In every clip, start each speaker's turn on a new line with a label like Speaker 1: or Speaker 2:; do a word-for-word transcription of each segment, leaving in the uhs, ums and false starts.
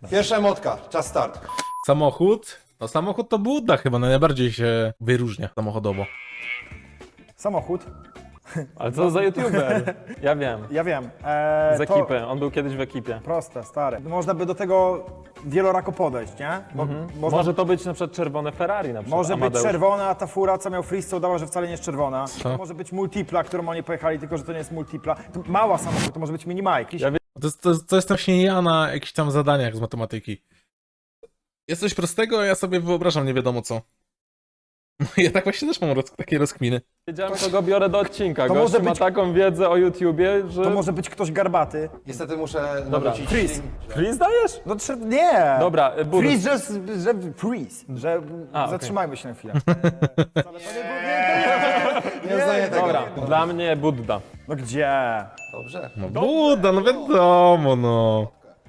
Speaker 1: Pierwsza emotka, czas start.
Speaker 2: Samochód? No samochód to Budda chyba najbardziej się wyróżnia samochodowo.
Speaker 3: Samochód.
Speaker 4: Ale co za youtuber? Ja wiem.
Speaker 3: Ja wiem. Eee,
Speaker 4: Z
Speaker 3: to
Speaker 4: ekipy, on był kiedyś w ekipie.
Speaker 3: proste, stary. Można by do tego wielorako podejść, nie? Bo można,
Speaker 4: Może to być na przykład czerwone Ferrari na przykład.
Speaker 3: może być
Speaker 4: Amadeusz.
Speaker 3: czerwona, a ta fura, co miał Freeze, co udawał, że wcale nie jest czerwona.
Speaker 2: Co?
Speaker 3: Może być multipla, którą oni pojechali, tylko że to nie jest multipla. To mała samochód, to może być minimajk.
Speaker 4: Ja wiem.
Speaker 2: To jest, to, jest, to jest właśnie ja na jakichś tam zadaniach z matematyki. Jest coś prostego, a ja sobie wyobrażam nie wiadomo co. Ja tak właśnie też mam roz, takie rozkminy.
Speaker 4: Wiedziałem, co go biorę do odcinka.
Speaker 3: To
Speaker 4: Gość
Speaker 3: może
Speaker 4: ma
Speaker 3: być-
Speaker 4: taką wiedzę o YouTubie, że...
Speaker 3: To może być ktoś garbaty.
Speaker 1: Niestety muszę nawrócić.
Speaker 3: Freeze.
Speaker 4: Freeze dajesz?
Speaker 3: No trze- nie!
Speaker 4: Dobra, y, Budu.
Speaker 3: Freeze, że, że freeze, że
Speaker 4: A, okej.
Speaker 3: zatrzymajmy się na chwilę. Eee, wcale to nie było- nie,
Speaker 1: Nie uznaję tego.
Speaker 4: Dobra, dla mnie Budda.
Speaker 3: No gdzie?
Speaker 1: Dobrze.
Speaker 2: No Budda, no wiadomo, no.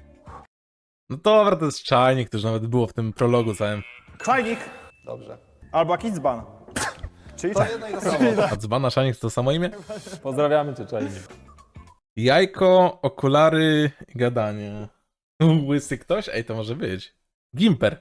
Speaker 2: No dobra, to jest czajnik, to już nawet było w tym prologu całym.
Speaker 3: Czajnik
Speaker 1: Dobrze.
Speaker 3: albo jakiś dzban. Czyli
Speaker 1: To
Speaker 3: tak.
Speaker 1: jedno i to samo.
Speaker 2: A dzbana czajnik to to samo imię?
Speaker 4: Pozdrawiamy cię, Czajnik.
Speaker 2: Jajko, okulary i gadanie. Łysy ktoś? Ej, to może być. Gimper.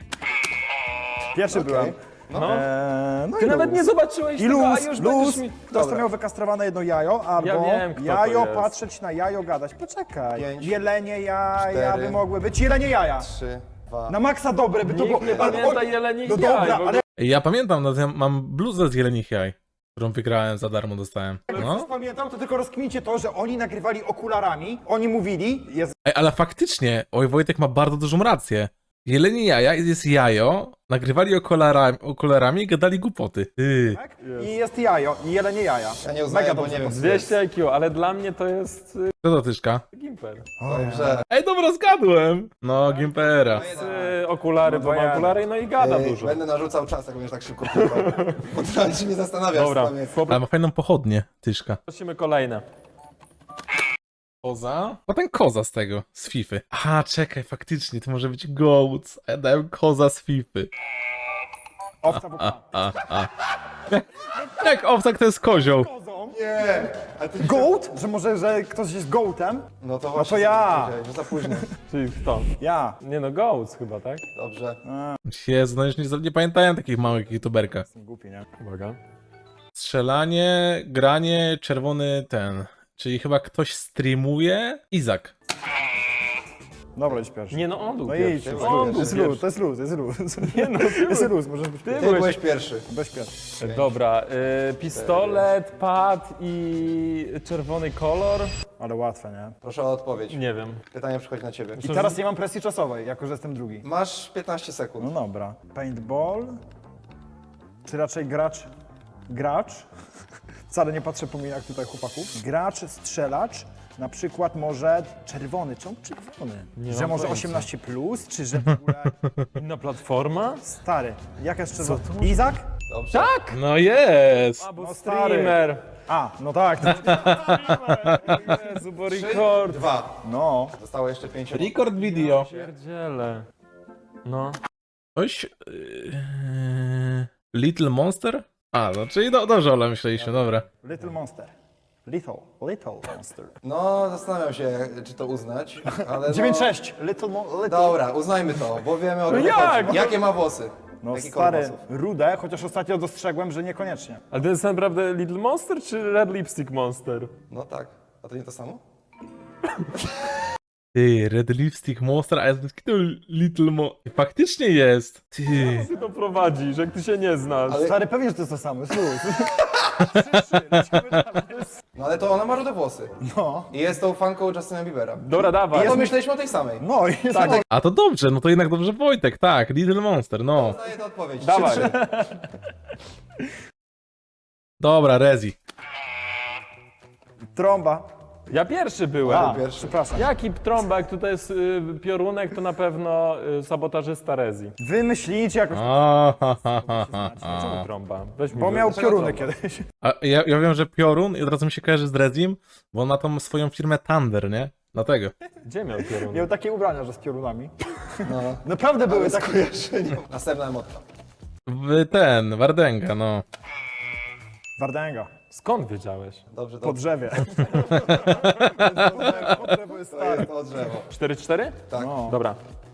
Speaker 3: Pierwszy
Speaker 1: Okej.
Speaker 3: byłem.
Speaker 4: No.
Speaker 3: Eee, no
Speaker 4: Ty
Speaker 3: i
Speaker 4: nawet
Speaker 3: luz.
Speaker 4: nie zobaczyłeś
Speaker 3: I
Speaker 4: tego, a
Speaker 3: luz,
Speaker 4: już
Speaker 3: luz.
Speaker 4: będziesz mi...
Speaker 3: Ktoś to
Speaker 1: Dobra.
Speaker 3: miał wykastrowane jedno jajo, albo
Speaker 4: Ja wiem, kto to
Speaker 3: jajo,
Speaker 4: jest.
Speaker 3: patrzeć na jajo, gadać. Poczekaj.
Speaker 1: Pięć,
Speaker 3: Jelenie jaja
Speaker 1: cztery,
Speaker 3: by mogły być. Jelenie jaja.
Speaker 1: Trzy, dwa.
Speaker 3: Na maksa dobre by to było.
Speaker 4: Nikt nie
Speaker 3: ale-
Speaker 4: pamięta
Speaker 3: oj,
Speaker 4: jeleni
Speaker 3: No
Speaker 4: jaj,
Speaker 3: dobra,
Speaker 4: w ogóle.
Speaker 3: ale
Speaker 2: Ej, ja pamiętam, no, to ja mam bluzę z jelenich jaj, którą wygrałem za darmo, dostałem.
Speaker 3: jak
Speaker 2: No.
Speaker 3: coś pamiętam, to tylko rozkmincie to, że oni nagrywali okularami. Oni mówili, jest
Speaker 2: Ej, ale faktycznie, oj, Wojtek ma bardzo dużą rację. Jelenie jaja, jest jajo, nagrywali okularami, okularami i gadali głupoty. Ty.
Speaker 3: tak? I jest jajo, i jelenie jaja.
Speaker 1: Ja nie uznaję,
Speaker 3: Mega
Speaker 1: bo
Speaker 3: dobrze
Speaker 1: nie wiem. co
Speaker 4: dwieście I Q, ale dla mnie to jest y,
Speaker 2: Co to tyszka?
Speaker 4: Gimper.
Speaker 1: Dobrze.
Speaker 2: Ej, dobra, zgadłem. No, Gimpera.
Speaker 4: Y, okulary, bo ma
Speaker 3: jeden.
Speaker 4: okulary, no i gada
Speaker 1: Ej,
Speaker 4: dużo.
Speaker 1: Będę narzucał czas, jak będziesz tak szybko pływał. Bo teraz się nie zastanawiasz,
Speaker 4: Dobra,
Speaker 1: co tam jest.
Speaker 2: Ale ma fajną pochodnię, tyszka.
Speaker 4: prosimy kolejne.
Speaker 2: Koza? Potem koza z tego, z Fify. Aha, czekaj, faktycznie, to może być gołc. A ja dałem koza z Fify.
Speaker 3: Owca w
Speaker 2: A, a, a. Jak owcak to jest kozioł.
Speaker 1: Nie! Ale ty...
Speaker 3: Goat? Że może, że ktoś jest goatem?
Speaker 1: No to właśnie.
Speaker 3: to ja.
Speaker 1: No za późno.
Speaker 4: Czyli kto?
Speaker 3: Ja.
Speaker 4: Nie no, Goats chyba, tak?
Speaker 1: Dobrze.
Speaker 2: Jezu, no już nie, nie pamiętają takich małych youtuberka.
Speaker 3: Jestem głupi, nie?
Speaker 4: Uwaga.
Speaker 2: Strzelanie, granie, czerwony ten. Czyli chyba ktoś streamuje. Izak.
Speaker 3: Dobra, idź pierwszy.
Speaker 4: Nie no, on był
Speaker 3: No idź,
Speaker 4: pierwszy.
Speaker 3: jest
Speaker 4: On
Speaker 3: luz,
Speaker 4: był
Speaker 3: jest
Speaker 4: pierwszy.
Speaker 3: luz, to jest luz, jest luz.
Speaker 4: Nie no, ty
Speaker 3: Jest
Speaker 4: byłeś-
Speaker 3: luz, możesz być
Speaker 4: Ty
Speaker 1: Ty
Speaker 4: byłeś...
Speaker 1: byłeś pierwszy.
Speaker 3: bez pierwszy.
Speaker 4: Dobra, y, pistolet, pad i czerwony kolor?
Speaker 3: Ale łatwe, nie?
Speaker 1: Proszę o odpowiedź.
Speaker 4: Nie wiem.
Speaker 1: Pytanie przychodzi na ciebie.
Speaker 3: I teraz nie mam presji czasowej, jako że jestem drugi.
Speaker 1: Masz piętnaście sekund.
Speaker 3: No dobra. Paintball? Czy raczej gracz? Gracz? Wcale nie patrzę po minach tutaj chłopaków. Gracz, strzelacz? Na przykład może czerwony. Czemu czerwony?
Speaker 4: Nie
Speaker 3: że
Speaker 4: mam
Speaker 3: może
Speaker 4: pojęcia.
Speaker 3: osiemnaście plus, czy że w ogóle...
Speaker 4: Inna platforma?
Speaker 3: Stary, jaka jest czerwona? Izak?
Speaker 1: Dobrze.
Speaker 4: Tak!
Speaker 2: No jest!
Speaker 4: A, bo
Speaker 3: No stary.
Speaker 4: streamer.
Speaker 3: A, no tak. to-
Speaker 4: Jezu, bo
Speaker 1: Trzy,
Speaker 4: record.
Speaker 1: dwa.
Speaker 3: No.
Speaker 1: Zostało jeszcze pięć.
Speaker 2: Record video.
Speaker 4: Pierdziele. No.
Speaker 2: Ktoś... Yy, Little Monster? A, no czyli do, dobrze, ale myśleliśmy, dobra.
Speaker 3: Little Monster. Little, Little Monster.
Speaker 1: No, zastanawiam się, czy to uznać, ale no...
Speaker 3: dziewięć sześć. Little Mo... Little...
Speaker 1: Dobra, uznajmy to, bo wiemy o co
Speaker 4: jak?
Speaker 1: chodzi. Jakie ma włosy?
Speaker 3: No
Speaker 1: Jaki kolor
Speaker 3: stary,
Speaker 1: włosów?
Speaker 3: rude, chociaż ostatnio dostrzegłem, że niekoniecznie.
Speaker 4: Ale to jest naprawdę Little Monster czy Red Lipstick Monster?
Speaker 1: No tak. A to nie to samo?
Speaker 2: Ty, Red Lipstick Monster, a ja to Little Mo... Faktycznie jest! Ty...
Speaker 4: Ty to prowadzisz, jak ty się nie znasz.
Speaker 1: Ale-
Speaker 3: Stary, pewnie, że to jest to samo, jest luz.
Speaker 1: No ale to ona ma rude włosy.
Speaker 3: No.
Speaker 1: I jest tą fanką Justina Biebera.
Speaker 4: Dobra, dawaj.
Speaker 1: A to myśleliśmy o tej samej.
Speaker 3: No i jest
Speaker 4: Tak.
Speaker 2: A to dobrze, no to jednak dobrze Wojtek, tak, Little Monster, no.
Speaker 1: Daję tę odpowiedź.
Speaker 4: Dawaj.
Speaker 1: Trzy, trzy.
Speaker 2: Dobra, Rezi.
Speaker 3: trąba.
Speaker 4: Ja pierwszy byłem.
Speaker 3: A,
Speaker 1: pierwszy.
Speaker 3: przepraszam.
Speaker 4: Jaki trąba, jak tutaj jest y, piorunek, to na pewno y, sabotażysta Rezi.
Speaker 3: Wymyślicie jakoś,
Speaker 2: A, ha, ha, ha, ha,
Speaker 4: Czemu
Speaker 2: ha.
Speaker 4: trąba? Weź mi
Speaker 3: bo
Speaker 4: wy-
Speaker 3: miał
Speaker 1: Dlaczego
Speaker 3: pioruny
Speaker 1: trąba?
Speaker 3: kiedyś.
Speaker 2: A ja, ja wiem, że Piorun i od razu mi się kojarzy z Rezim, bo on ma tą swoją firmę Thunder, nie? Dlatego.
Speaker 4: Gdzie miał piorunek?
Speaker 3: Miał takie ubrania, że z piorunami.
Speaker 1: No.
Speaker 3: Naprawdę były takie.
Speaker 1: Skojarzenie. Następna emotka.
Speaker 2: W ten, Wardenga, no.
Speaker 3: Wardęga.
Speaker 4: Skąd wiedziałeś?
Speaker 1: Dobrze,
Speaker 3: Po
Speaker 1: dobrze.
Speaker 3: drzewie. Po drzewo jest
Speaker 1: To
Speaker 3: stare.
Speaker 1: jest to drzewo.
Speaker 4: cztery cztery?
Speaker 1: Tak.
Speaker 3: No.
Speaker 4: Dobra.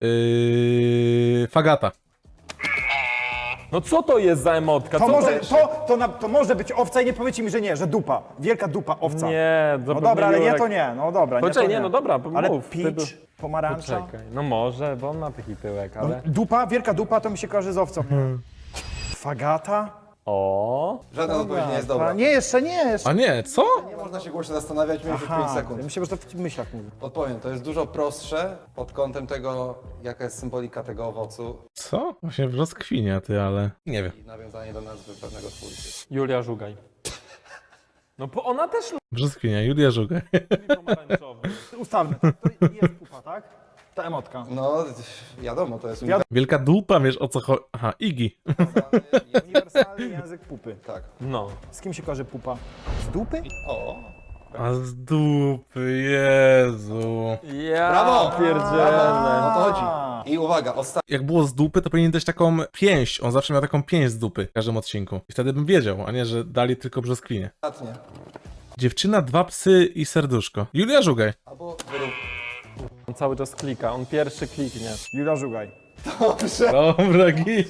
Speaker 2: Yy, Fagata.
Speaker 4: No co to jest za emotka?
Speaker 3: To
Speaker 4: Co
Speaker 3: może,
Speaker 4: jest?
Speaker 3: to, to, na, to może być owca i nie powiecie mi, że nie, że dupa. Wielka dupa, owca.
Speaker 4: Nie,
Speaker 3: No dobra, ale nie to nie, no dobra, nie
Speaker 4: Poczekaj,
Speaker 3: to
Speaker 4: nie, no dobra,
Speaker 3: Ale
Speaker 4: mów. Ty
Speaker 3: peach,
Speaker 4: do-
Speaker 3: pomarańcza.
Speaker 4: Poczekaj, no może, bo on ma taki tyłek, ale...
Speaker 3: Dupa, wielka dupa to mi się kojarzy z owcą. Fagata?
Speaker 4: O,
Speaker 1: Żadna odpowiedź nie jest
Speaker 3: Pa-
Speaker 1: dobra.
Speaker 3: Nie, jeszcze nie, jeszcze.
Speaker 2: A nie, co?
Speaker 1: Nie można się głośno zastanawiać, mieliśmy pięć
Speaker 3: Aha,
Speaker 1: sekund.
Speaker 3: myślę, że to w myślach mówi.
Speaker 1: Odpowiem, to jest dużo prostsze pod kątem tego, jaka jest symbolika tego owocu
Speaker 2: Co? Właśnie brzoskwinia, ty, ale nie wiem.
Speaker 1: i nawiązanie do nazwy pewnego twórcy.
Speaker 4: Julia Żugaj. No bo ona też
Speaker 2: Brzoskwinia, Julia Żugaj.
Speaker 4: lubi pomarańczowy.
Speaker 3: Ustawmy, to jest pupa, tak? Ta emotka.
Speaker 1: No, wiadomo, to jest
Speaker 3: Wiadomo.
Speaker 2: Wielka dupa, wiesz o co chodzi. Aha, Iggy.
Speaker 1: uniwersalny.
Speaker 3: Uniwersalny język pupy.
Speaker 1: Tak.
Speaker 4: No.
Speaker 3: Z kim się kojarzy pupa? Z dupy?
Speaker 1: O,
Speaker 2: A z dupy, Jezu.
Speaker 4: Ja
Speaker 1: Brawo!
Speaker 4: pierdzielę.
Speaker 1: o to chodzi. I uwaga, ostatni.
Speaker 2: Jak było z dupy, to powinien dać taką pięść. On zawsze miał taką pięść z dupy w każdym odcinku. I wtedy bym wiedział, a nie, że dali tylko brzoskwinię. Dziewczyna, dwa psy i serduszko. Julia Żugaj.
Speaker 1: Albo wyrób.
Speaker 4: On cały czas klika, on pierwszy kliknie.
Speaker 3: Julia Żugaj.
Speaker 1: Dobrze.
Speaker 2: Dobra, git.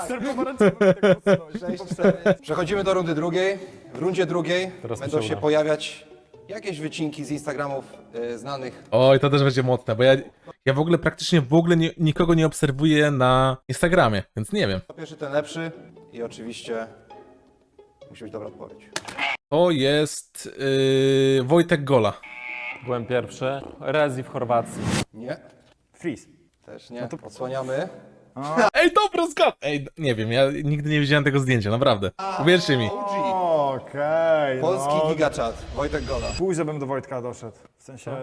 Speaker 1: sześć, cztery. Przechodzimy do rundy drugiej. W rundzie drugiej
Speaker 4: Teraz mi
Speaker 1: będą
Speaker 4: się
Speaker 1: się
Speaker 4: uda.
Speaker 1: pojawiać jakieś wycinki z Instagramów y, znanych.
Speaker 2: Oj, to też będzie mocne, bo ja, ja w ogóle praktycznie w ogóle nie, nikogo nie obserwuję na Instagramie, więc nie wiem.
Speaker 1: To pierwszy, ten lepszy i oczywiście musi być dobra odpowiedź.
Speaker 2: To jest yy, Wojtek Gola.
Speaker 4: Byłem pierwszy. Rezi w Chorwacji.
Speaker 1: Nie,
Speaker 3: Freeze.
Speaker 1: też nie. Odsłaniamy.
Speaker 2: Ej, dobra, zgad... Ej, nie wiem, ja nigdy nie widziałem tego zdjęcia, naprawdę. Uwierzcie mi.
Speaker 1: O G.
Speaker 3: Okej,
Speaker 1: Polski
Speaker 3: no.
Speaker 1: gigachat. Wojtek Gola.
Speaker 3: Pójdź, żebym do Wojtka doszedł. W sensie...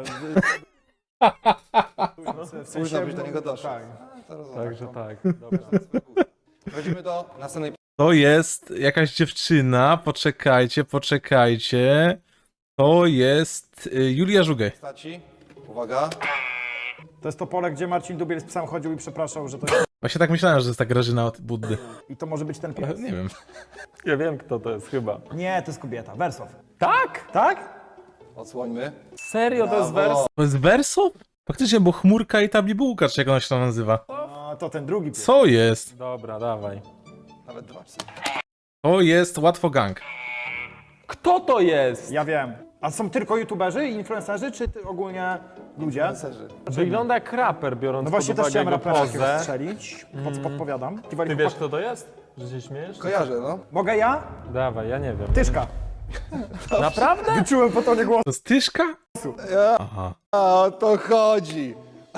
Speaker 3: w
Speaker 1: Pójdź, żebyś do niego doszedł.
Speaker 3: Tak.
Speaker 1: To rozumiem.
Speaker 4: Także tak. Dobra.
Speaker 1: Przechodzimy do następnej
Speaker 2: To jest jakaś dziewczyna, poczekajcie, poczekajcie. To jest y, Julia Żugaj.
Speaker 1: postaci. Uwaga.
Speaker 3: To jest to pole, gdzie Marcin Dubiel z psem chodził i przepraszał, że to jest...
Speaker 2: Właśnie tak myślałem, że to jest ta Grażyna od Buddy.
Speaker 3: I to może być ten
Speaker 2: Ale
Speaker 3: pies.
Speaker 2: nie wiem.
Speaker 4: Ja wiem kto to jest chyba.
Speaker 3: Nie, to jest kobieta. Wersow.
Speaker 4: Tak?
Speaker 3: Tak?
Speaker 1: Odsłońmy.
Speaker 4: Serio to jest wers?
Speaker 2: To jest Verso? Faktycznie, bo chmurka i ta bibułka, czy jak ona się tam nazywa.
Speaker 3: A, to ten drugi pies.
Speaker 2: Co jest?
Speaker 4: Dobra, dawaj.
Speaker 1: Nawet dwa psy.
Speaker 2: To jest Łatwo Gang.
Speaker 4: Kto to jest?
Speaker 3: Ja wiem. A są tylko youtuberzy i influencerzy, czy ty ogólnie ludzie?
Speaker 1: Influencerzy.
Speaker 4: Wygląda jak raper, biorąc
Speaker 3: No właśnie
Speaker 4: pod
Speaker 3: też
Speaker 4: uwagę
Speaker 3: chciałem
Speaker 4: jego
Speaker 3: rapera jakiegoś
Speaker 4: pozę.
Speaker 3: strzelić. Pod, podpowiadam.
Speaker 4: Ty wiesz kto to jest? Że się śmiejesz?
Speaker 1: Kojarzę, no.
Speaker 3: Mogę ja?
Speaker 4: Dawaj, ja nie wiem.
Speaker 3: Tyszka.
Speaker 4: Naprawdę?
Speaker 3: Wyczułem po tonie głosu.
Speaker 2: To jest Tyszka? Aha.
Speaker 1: A o to chodzi.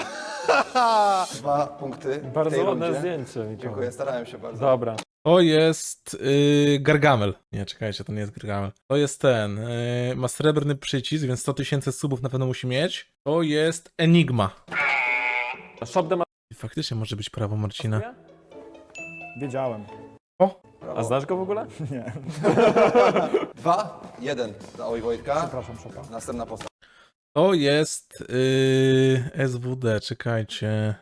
Speaker 1: Dwa punkty. w tej
Speaker 4: Bardzo ładne
Speaker 1: rundzie.
Speaker 4: zdjęcie. Mikołaj.
Speaker 1: Dziękuję, starałem się bardzo.
Speaker 4: Dobra.
Speaker 2: To jest yy, Gargamel. Nie, czekajcie, to nie jest Gargamel. To jest ten. Yy, ma srebrny przycisk, więc sto tysięcy subów na pewno musi mieć. To jest Enigma.
Speaker 4: Shop the
Speaker 2: I faktycznie może być prawo Marcina.
Speaker 4: Maria?
Speaker 3: Wiedziałem.
Speaker 4: A znasz go w ogóle?
Speaker 3: Nie.
Speaker 1: Dwa, jeden dla Oj Wojtka.
Speaker 3: Przepraszam, Szopa.
Speaker 1: Następna postać.
Speaker 2: To jest yy, S W D, czekajcie.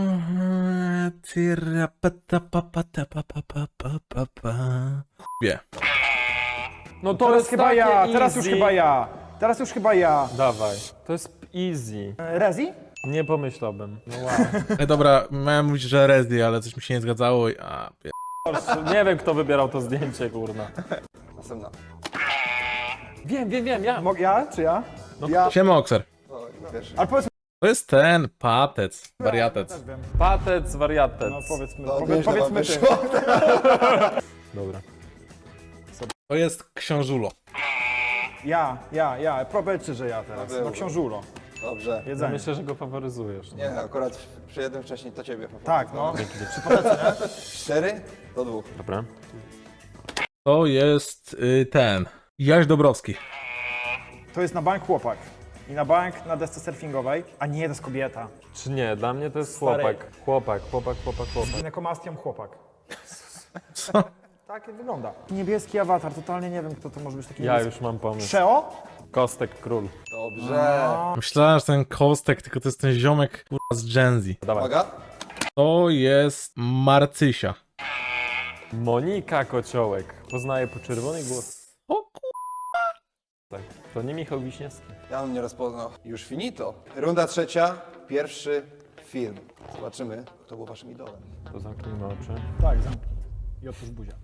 Speaker 2: Wie.
Speaker 4: No to
Speaker 3: Teraz
Speaker 4: jest
Speaker 3: chyba
Speaker 4: takie
Speaker 3: ja, teraz
Speaker 4: easy.
Speaker 3: już chyba ja. Teraz już chyba ja.
Speaker 4: Dawaj. To jest easy.
Speaker 3: E, Rezi?
Speaker 4: Nie pomyślałbym. No wow.
Speaker 2: Ej, dobra, miałem mówić, że Rezi, ale coś mi się nie zgadzało i... A, pie...
Speaker 4: Nie wiem kto wybierał to zdjęcie, kurna.
Speaker 1: Następna.
Speaker 4: Wiem, wiem, wiem, ja.
Speaker 3: Mogę ja, czy ja?
Speaker 4: No
Speaker 3: ja.
Speaker 2: Siema, Okser.
Speaker 1: O, pierwszy.
Speaker 3: Ale powiedz
Speaker 2: To jest ten, patec, wariatec.
Speaker 3: też wiem.
Speaker 4: Patec, wariatec.
Speaker 3: No powiedzmy,
Speaker 1: No,
Speaker 3: powie,
Speaker 1: nieźle wam
Speaker 3: powiedzmy ty.
Speaker 1: wyszło.
Speaker 4: Dobra.
Speaker 2: To jest Książulo.
Speaker 3: Ja, ja, ja. Powiedzcie, że ja teraz.
Speaker 1: Paweł.
Speaker 3: No książulo.
Speaker 1: Dobrze.
Speaker 4: Ja
Speaker 3: Jedzenie.
Speaker 4: myślę, że go faworyzujesz.
Speaker 1: Nie, akurat przy jednym wcześniej to ciebie.
Speaker 3: Tak, no.
Speaker 1: Cztery do dwóch.
Speaker 4: Dobra.
Speaker 2: To jest y, ten, Jaś Dobrowski.
Speaker 3: To jest na bank chłopak. I na bank na desce surfingowej. A nie, to jest kobieta.
Speaker 4: Czy nie? Dla mnie to jest
Speaker 3: Stary.
Speaker 4: chłopak. Chłopak, chłopak, chłopak,
Speaker 3: Z
Speaker 4: chłopak.
Speaker 3: ginekomastią chłopak.
Speaker 2: Co?
Speaker 3: Tak wygląda. Niebieski awatar, totalnie nie wiem, kto to może być taki
Speaker 4: Ja
Speaker 3: niebieski.
Speaker 4: już mam pomysł.
Speaker 3: Szeo?
Speaker 4: Kostek Król.
Speaker 1: Dobrze.
Speaker 2: Myślałem, że ten Kostek, tylko to jest ten ziomek kurwa, z Gen Z.
Speaker 4: Dawaj.
Speaker 1: Uwaga.
Speaker 2: To jest Marcysia.
Speaker 4: Monika Kociołek. Poznaję po czerwonej głos.
Speaker 2: O kur...
Speaker 4: Tak. To nie Michał Wiśniewski.
Speaker 1: Ja bym nie rozpoznał. Już finito. Runda trzecia. Pierwszy film. Zobaczymy, kto był waszym idolem.
Speaker 4: To zamknijmy oczy.
Speaker 3: Tak, zamknij. I otwórz buzia.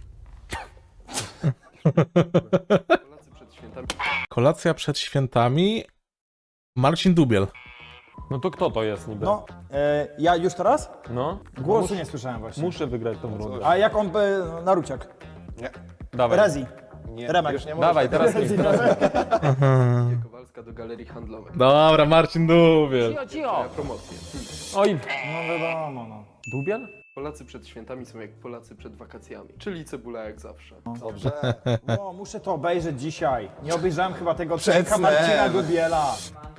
Speaker 5: Polacy przed świętami.
Speaker 2: Kolacja przed świętami. Marcin Dubiel.
Speaker 4: No to kto to jest niby?
Speaker 3: No, e, ja już teraz?
Speaker 4: No.
Speaker 3: Głosu
Speaker 4: Mus-
Speaker 3: nie słyszałem właśnie.
Speaker 4: Muszę wygrać tą rundę.
Speaker 3: A jak on by... Naruciak?
Speaker 1: Nie.
Speaker 4: Dawaj.
Speaker 3: Rezi.
Speaker 1: Nie.
Speaker 3: Remek.
Speaker 1: Już nie możesz.
Speaker 4: Dawaj, teraz ty.
Speaker 5: Maria Kowalska do galerii handlowej.
Speaker 2: Dobra, Marcin Dubiel.
Speaker 4: Cio, cio.
Speaker 5: Moja promocja.
Speaker 4: Oj,
Speaker 3: No wiadomo, no.
Speaker 4: Dubiel?
Speaker 5: Polacy przed świętami są jak Polacy przed wakacjami. Czyli cebula jak zawsze.
Speaker 1: Dobrze.
Speaker 3: No, muszę to obejrzeć dzisiaj. Nie obejrzałem chyba tego
Speaker 1: Przed
Speaker 3: odcinka
Speaker 1: snem.
Speaker 3: Marcina Dubiela.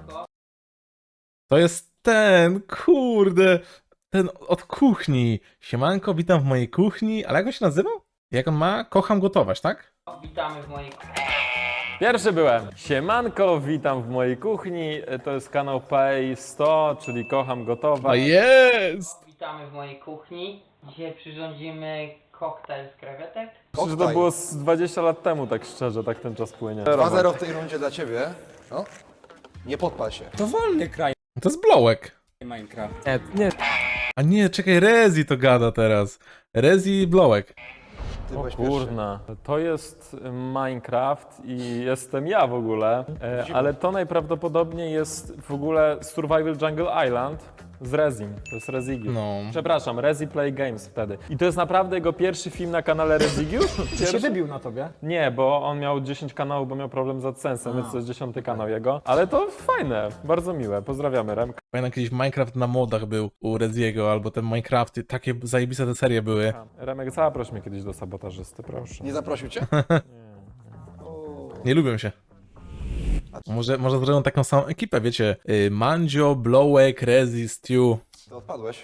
Speaker 2: To jest ten, kurde, ten od kuchni. Siemanko, witam w mojej kuchni. Ale jak on się nazywał? Jak on ma? Kocham gotować, tak?
Speaker 6: Witamy w mojej
Speaker 4: Pierwszy byłem. Siemanko, witam w mojej kuchni. To jest kanał Pay sto, czyli kocham
Speaker 2: A
Speaker 4: gotować.
Speaker 2: jest!
Speaker 6: Witamy w mojej kuchni. Dzisiaj przyrządzimy koktajl z krewetek.
Speaker 4: Myślę, że to było z dwadzieścia lat temu, tak szczerze, tak ten czas płynie.
Speaker 1: dwa zero w tej rundzie dla ciebie. No. Nie podpal się.
Speaker 7: To wolny kraj
Speaker 2: To jest Blowek.
Speaker 7: Minecraft.
Speaker 4: Nie, nie.
Speaker 2: A nie, czekaj, Rezi to gada teraz. Rezi i Blowek.
Speaker 1: Ty
Speaker 4: O
Speaker 1: byłeś pierwszy.
Speaker 4: kurna, to jest Minecraft i jestem ja w ogóle, e, ale to najprawdopodobniej jest w ogóle Survival Jungle Island z Rezim, to jest Rezigiusz.
Speaker 2: No.
Speaker 4: Przepraszam, Rezi Play Games wtedy. I to jest naprawdę jego pierwszy film na kanale Rezigiusz?
Speaker 3: Czy się wybił na tobie?
Speaker 4: Nie, bo on miał dziesięć kanałów, bo miał problem z AdSense'em, więc to jest dziesiąty kanał jego. Ale to fajne, bardzo miłe, pozdrawiamy Remka.
Speaker 2: Pamiętam kiedyś Minecraft na modach był u Reziego, albo te Minecrafty, takie zajebiste te serie były.
Speaker 4: Remek, zaproś mnie kiedyś do sabotażysty, proszę.
Speaker 1: Nie zaprosił cię?
Speaker 2: Nie lubią się. Może, może zrobią taką samą ekipę, wiecie, y, Mandzio, Blowek, Rezi, Stew.
Speaker 1: To odpadłeś.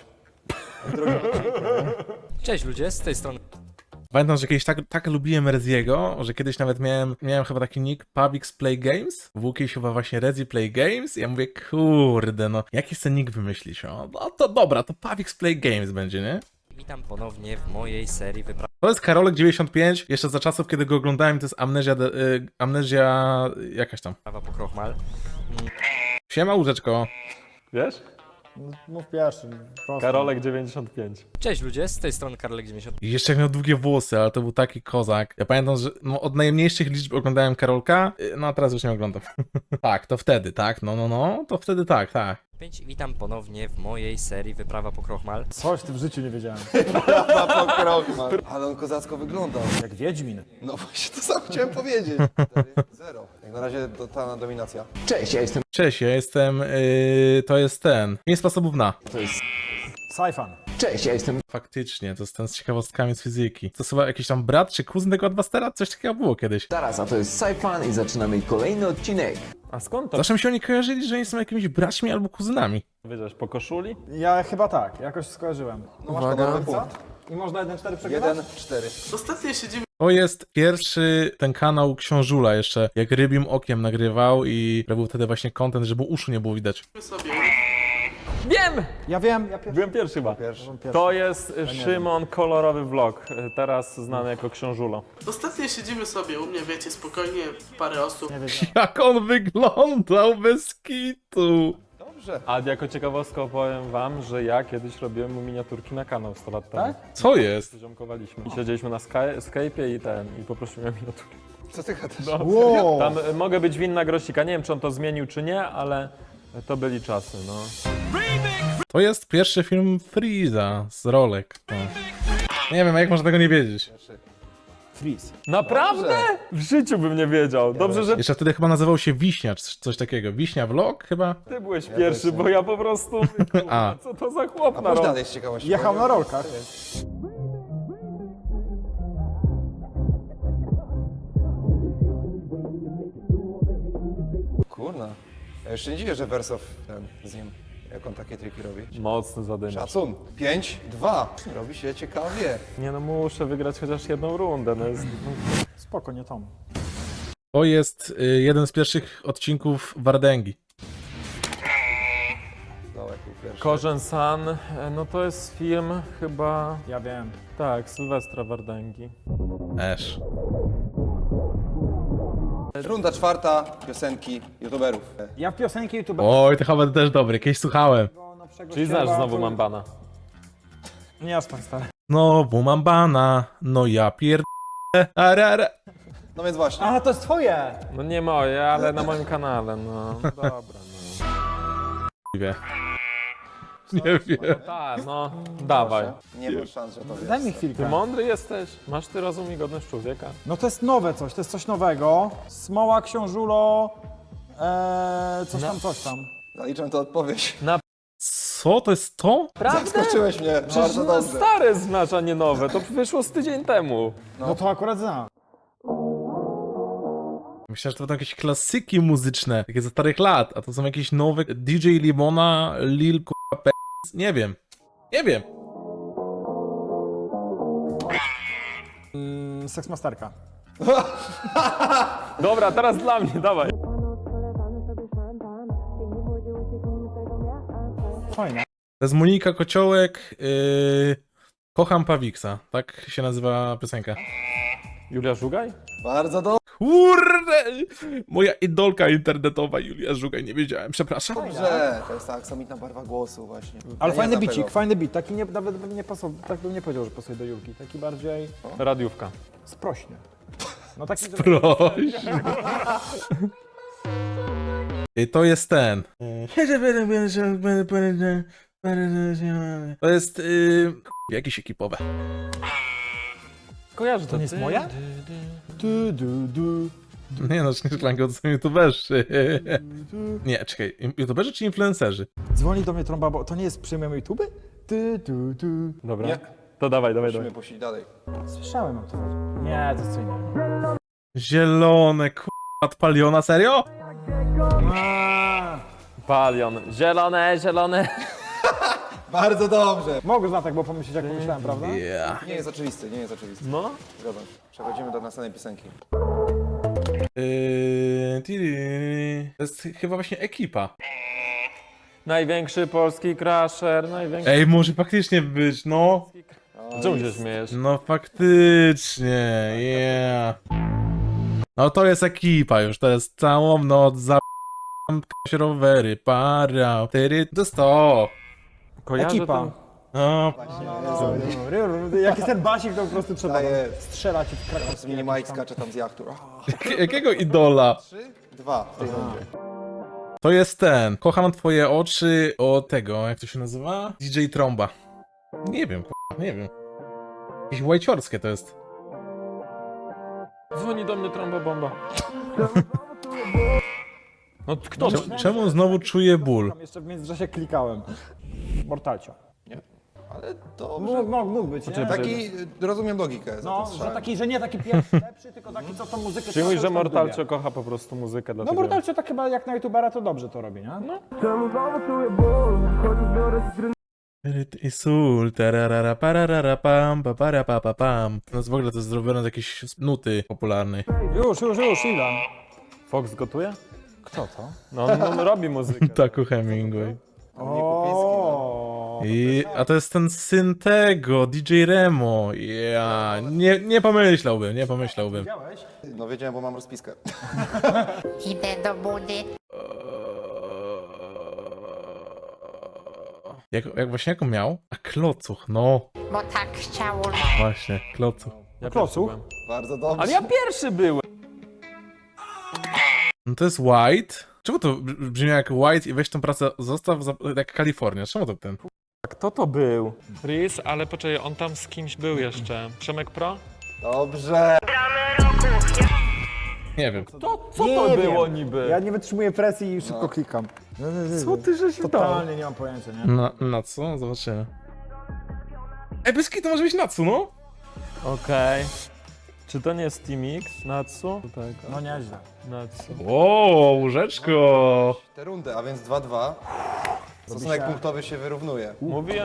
Speaker 7: Cześć ludzie, z tej strony
Speaker 2: Pamiętam, że kiedyś tak, tak lubiłem Reziego, że kiedyś nawet miałem, miałem chyba taki nick Pavix Play Games. W łukie się chyba właśnie Rezi Play Games i ja mówię, kurde, no, jaki sobie nick wymyślić? O, no to dobra, to Pavix Play Games będzie, nie?
Speaker 7: witam ponownie w mojej serii wypraw
Speaker 2: To jest Karolek dziewięćdziesiąt pięć, jeszcze za czasów, kiedy go oglądałem, to jest Amnezja, de- y, amnezja jakaś tam.
Speaker 7: po Krochmal.
Speaker 2: Siema, łóżeczko.
Speaker 4: Wiesz?
Speaker 3: Mów pierwszy. prosto.
Speaker 4: Karolek dziewięćdziesiąt pięć.
Speaker 7: Cześć ludzie, z tej strony Karolek dziewięćdziesiąt.
Speaker 2: I jeszcze jak miał długie włosy, ale to był taki kozak. Ja pamiętam, że no, od najmniejszych liczb oglądałem Karolka, y, no a teraz już nie oglądam. Tak, to wtedy, tak, no, no, no, to wtedy tak, tak.
Speaker 7: pięć. Witam ponownie w mojej serii Wyprawa po Krochmal.
Speaker 3: Coś w tym życiu nie wiedziałem.
Speaker 1: Na pokrok, man. Ale on kozacko wyglądał.
Speaker 3: Jak Wiedźmin.
Speaker 1: No właśnie, to samo chciałem powiedzieć. Zero. Jak na razie totalna dominacja.
Speaker 2: Cześć, ja jestem, y, to jest ten, pięć sposobów na.
Speaker 3: Sajfan.
Speaker 2: Faktycznie, to jest ten z ciekawostkami z fizyki. To jest chyba jakiś tam brat czy kuzyn tego Adbustera? Coś takiego było kiedyś.
Speaker 8: Zaraz, a to jest Saifan i zaczynamy kolejny odcinek.
Speaker 4: A skąd to
Speaker 2: Zawsze mi się oni kojarzyli, że oni są jakimiś braćmi albo kuzynami.
Speaker 4: wiedziałeś? Po koszuli?
Speaker 3: Ja chyba tak, jakoś skojarzyłem.
Speaker 1: No masz podobny punkt.
Speaker 3: I można jeden cztery przegrywać?
Speaker 1: Jeden, cztery.
Speaker 2: To jest pierwszy ten kanał Książula jeszcze, jak rybim okiem nagrywał i robił wtedy właśnie content, żeby uszu nie było widać.
Speaker 4: Wiem!
Speaker 3: Ja wiem, ja pierwszy.
Speaker 4: Byłem pierwszy chyba.
Speaker 1: Pierwszy.
Speaker 4: To jest Szymon Kolorowy Vlog, teraz znany jako Książulo.
Speaker 9: Ostatnio siedzimy sobie u mnie, wiecie, spokojnie, parę osób.
Speaker 3: Nie wiedziałem.
Speaker 2: Jak on wyglądał bez kitu!
Speaker 1: Dobrze.
Speaker 4: A jako ciekawostkę opowiem wam, że ja kiedyś robiłem mu miniaturki na kanał sto lat temu.
Speaker 3: Tak?
Speaker 2: Co jest?
Speaker 4: Ziomkowaliśmy. I siedzieliśmy na Sky- Skype'ie i ten, i poprosiłem o miniaturki.
Speaker 1: Co ty gadasz?
Speaker 4: No.
Speaker 3: Wow.
Speaker 4: Tam y, mogę być winna grosika, nie wiem czy on to zmienił czy nie, ale to byli czasy, no.
Speaker 2: To jest pierwszy film Freeza z rolek. No. Nie wiem, jak można tego nie wiedzieć.
Speaker 3: Freeze.
Speaker 4: Naprawdę? W życiu bym nie wiedział. Dobrze, że
Speaker 2: Jeszcze wtedy chyba nazywał się Wiśnia, czy coś takiego. Wiśnia Vlog chyba?
Speaker 4: ty byłeś pierwszy, bo ja po prostu...
Speaker 2: A.
Speaker 4: Co to za chłop
Speaker 1: A
Speaker 4: na
Speaker 1: pójdź
Speaker 4: rok?
Speaker 1: dalej z ciekawości.
Speaker 3: Jechał na rolkach.
Speaker 1: Kurna. Ja jeszcze nie dziwię, że Wersow ten z nim, jak on takie triki robi.
Speaker 4: Mocny zadymiarz.
Speaker 1: Szacun. Pięć, dwa. Robi się ciekawie.
Speaker 4: Nie no, muszę wygrać chociaż jedną rundę. No jest...
Speaker 3: Spoko, nie Tom.
Speaker 2: To jest y, jeden z pierwszych odcinków Wardęgi.
Speaker 1: Dołek był pierwszy.
Speaker 4: Korzeń San, e, no to jest film chyba...
Speaker 3: Ja wiem.
Speaker 4: Tak, Sylwestra Wardęgi.
Speaker 2: Esz.
Speaker 1: Runda czwarta. Piosenki youtuberów.
Speaker 3: Ja w piosenki YouTube.
Speaker 2: Oj, to chyba też dobry, kiedyś słuchałem.
Speaker 3: No, najnowszego
Speaker 4: Czyli
Speaker 3: ścierwa,
Speaker 4: znasz znowu
Speaker 3: to-
Speaker 4: Mambana.
Speaker 3: Nie aż tak stary.
Speaker 2: Znowu mam bana, no ja pierd... Arara.
Speaker 1: No więc właśnie.
Speaker 3: A, to jest twoje!
Speaker 4: No nie moje, ale na moim kanale, no. Dobra, no.
Speaker 2: Nie wiem. Nie wiem.
Speaker 4: Tak, no, dawaj.
Speaker 1: Nie ma szans, że to wiesz.
Speaker 3: Daj mi
Speaker 4: Ty
Speaker 3: chwilkę.
Speaker 4: mądry jesteś, masz ty rozum i godność człowieka.
Speaker 3: No to jest nowe coś, to jest coś nowego. Smoła, książulo, eee, coś tam, coś tam.
Speaker 1: Zaliczam to odpowiedź.
Speaker 2: Co? To jest to?
Speaker 1: Zaskoczyłeś mnie,
Speaker 4: Przecież
Speaker 1: bardzo
Speaker 4: no,
Speaker 1: dobrze.
Speaker 4: stare znasz, a nie nowe, to wyszło z tydzień temu.
Speaker 3: No, to akurat znam.
Speaker 2: Myślałem, że to będą jakieś klasyki muzyczne, takie ze starych lat, a to są jakieś nowe D J Limona, Lil k***a P. Nie wiem. Nie wiem.
Speaker 3: Mm, Seksmasterka.
Speaker 4: Dobra, teraz dla mnie, dawaj.
Speaker 3: Fajne.
Speaker 2: To jest Monika Kociołek, yy, Kocham Pawiksa, tak się nazywa piosenka.
Speaker 4: Julia Żugaj?
Speaker 1: Bardzo dobrze.
Speaker 2: Kurde! Moja idolka internetowa Julia Żugaj, nie wiedziałem, przepraszam.
Speaker 1: To jest ta aksamitna barwa głosu właśnie.
Speaker 3: Ale
Speaker 1: Ja
Speaker 3: fajny
Speaker 1: nie znam
Speaker 3: bicik,
Speaker 1: tego.
Speaker 3: fajny bit. Taki nie, nawet bym nie pasował, tak bym nie powiedział, że pasuje do Julki. Taki bardziej
Speaker 4: Radiówka.
Speaker 3: sprośny. No taki, że...
Speaker 2: Proszę. I to jest ten. To jest yy, jakieś ekipowe.
Speaker 4: Kojarzę
Speaker 3: To nie jest moja? Du, du, du.
Speaker 2: Nie no, Szklanko, to są youtuberzy. Nie, czekaj, youtuberzy czy influencerzy?
Speaker 3: Dzwoni do mnie trąba, bo to nie jest przyjmujemy YouTube? Du, du, du.
Speaker 4: Dobra,
Speaker 1: Nie.
Speaker 4: to dawaj, dawaj,
Speaker 1: Musimy
Speaker 4: dawaj.
Speaker 1: puścić dalej.
Speaker 3: Słyszałem o to. Nie, to jest co innego.
Speaker 2: Zielone, k***a, paliona, serio?
Speaker 4: Palion. Zielone, zielone.
Speaker 1: Bardzo dobrze.
Speaker 3: Mogę znać tak, bo pomyśleć jak pomyślałem, prawda?
Speaker 2: Yeah.
Speaker 1: Nie jest oczywisty, nie jest oczywisty.
Speaker 4: No.
Speaker 1: Zgadzam się. Przechodzimy do następnej piosenki.
Speaker 2: Yy, tiri. To jest chyba właśnie ekipa.
Speaker 4: Największy polski crasher, największy...
Speaker 2: Ej, może faktycznie być, no.
Speaker 4: Czemu się śmiejesz?
Speaker 2: No faktycznie, yeah. No to jest ekipa już, to jest całą noc za się rowery, para, tyry, to jest to.
Speaker 4: Kojarzę
Speaker 3: Ekipa.
Speaker 4: ten...
Speaker 2: No,
Speaker 3: Jak jest ten basik, to po prostu trzeba
Speaker 1: Tak jest.
Speaker 3: strzelać i w
Speaker 1: Z
Speaker 3: krakowskie.
Speaker 1: mini Mike skacze tam z jachtu.
Speaker 2: jak- jakiego idola?
Speaker 1: Trzy, dwa w tej rundzie.
Speaker 2: To jest ten, kocham twoje oczy o tego, jak to się nazywa? D J Tromba. Nie wiem, k***a, nie wiem. Jakieś łajciorskie to jest.
Speaker 4: Dzwoni do mnie trąba bomba. No kto?
Speaker 2: Czemu, czemu znowu czuję ból?
Speaker 3: Tam jeszcze w międzyczasie klikałem. Mortalcio.
Speaker 1: Ale dobrze.
Speaker 3: Mógł, mógł, mógł być, nie?
Speaker 1: Taki, rozumiem logikę za
Speaker 3: No,
Speaker 1: to
Speaker 3: że
Speaker 1: strzałem.
Speaker 3: taki, że nie taki pierwszy, lepszy, tylko taki, co tą muzykę...
Speaker 4: Przyjmuj,
Speaker 3: cały
Speaker 4: że
Speaker 3: czas
Speaker 4: Mortalcio
Speaker 3: lubię.
Speaker 4: kocha po prostu muzykę,
Speaker 3: No
Speaker 4: dlatego...
Speaker 3: Mortalcio tak chyba jak na youtubera to dobrze to robi, nie? No.
Speaker 2: I sól, tararara, pararara, pam, pa, para, pa, pa, pam. No w ogóle to jest zrobione z jakiejś nuty popularnej.
Speaker 3: Już, już, już, Ilan.
Speaker 4: Fox gotuje?
Speaker 3: Kto to?
Speaker 4: No on, on robi muzykę.
Speaker 2: Taku Hemingway.
Speaker 3: O.
Speaker 2: I, a to jest ten syn tego, D J Remo. Ja nie, nie pomyślałbym, nie pomyślałbym.
Speaker 3: Widziałeś?
Speaker 1: No wiedziałem, bo mam rozpiskę.
Speaker 10: Idę do budy.
Speaker 2: Jak, jak właśnie jaką miał? A klocuch, no.
Speaker 10: Bo tak chciało.
Speaker 2: Właśnie, klocuch.
Speaker 4: Ja
Speaker 3: Klocuch?
Speaker 4: pierwszy byłem.
Speaker 1: Bardzo dobrze.
Speaker 4: Ale ja pierwszy byłem!
Speaker 2: No to jest White. Czemu to br- brzmi jak White i weź tą pracę, zostaw za, jak Kalifornia? Czemu to ten?
Speaker 4: Kto to był? Riz, ale poczekaj, on tam z kimś był jeszcze. Przemek Pro?
Speaker 1: Dobrze.
Speaker 2: Nie wiem.
Speaker 4: To, co
Speaker 3: Nie
Speaker 4: to
Speaker 3: wiem.
Speaker 4: było niby?
Speaker 3: Ja nie wytrzymuję presji i szybko klikam.
Speaker 4: Co ty żeś dał?
Speaker 3: Totalnie nie mam pojęcia, nie?
Speaker 2: Na, na co? Zobaczymy. Ej, bez to może być Natsu, no?
Speaker 4: Okej. Czy to nie jest Team X? Natsu? Tak,
Speaker 3: No nieźle.
Speaker 4: Natsu.
Speaker 2: O, łóżeczko.
Speaker 1: Te rundy, a więc dwa dwa. Stosunek
Speaker 3: się-
Speaker 1: punktowy się wyrównuje.
Speaker 4: Mówiłem,